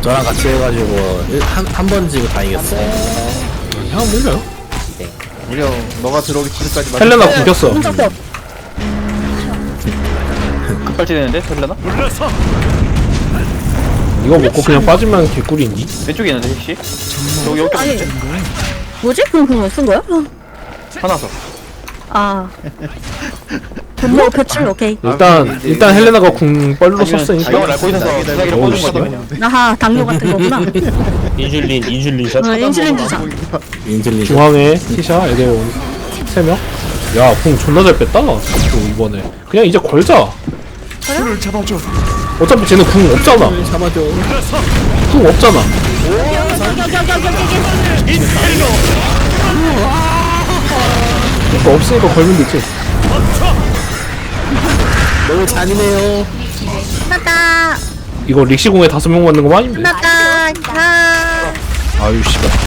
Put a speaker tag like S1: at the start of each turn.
S1: 너랑 같이 해가지고 한 번 지고 다 이겼어.
S2: 형 밀려요.
S3: 무려 너가 들어오기 전까지
S2: 헬레나 굶겼어.
S4: 급발진했는데 헬레나?
S2: 이거 먹고 그냥 빠지면 개꿀이니?
S4: 왼쪽에 있는데 혹시? 여기
S5: 아니
S4: 있는데?
S5: 뭐지? 그럼 쓴 거야?
S4: 하나서
S5: 아 분노 표출 오케이.
S2: 일단 헬레나가 궁 뻘로 썼으니까.
S4: 이걸 알고 있어서 수사기를
S2: 어우,
S4: 꽂은
S2: 씨발.
S4: 거지 그냥.
S5: 아하 당뇨 같은 거구나.
S6: 인슐린 샷.
S5: 인슐린 주사.
S1: 인질리.
S2: 중앙에 티샤 에데온 3명. 야, 궁 존나 잘 뺐다. 또 이번에. 그냥 이제 걸자. 어차피 쟤는 궁 없잖아.
S1: 잡아줘.
S2: 궁 없잖아. 그러니까 없으니까 걸면 되지.
S1: 너무 잔인해요.
S5: 끝났다.
S2: 이거 릭시궁에 5명 맞는 거 아닌데?
S5: 끝났다.
S2: 아유 씨발.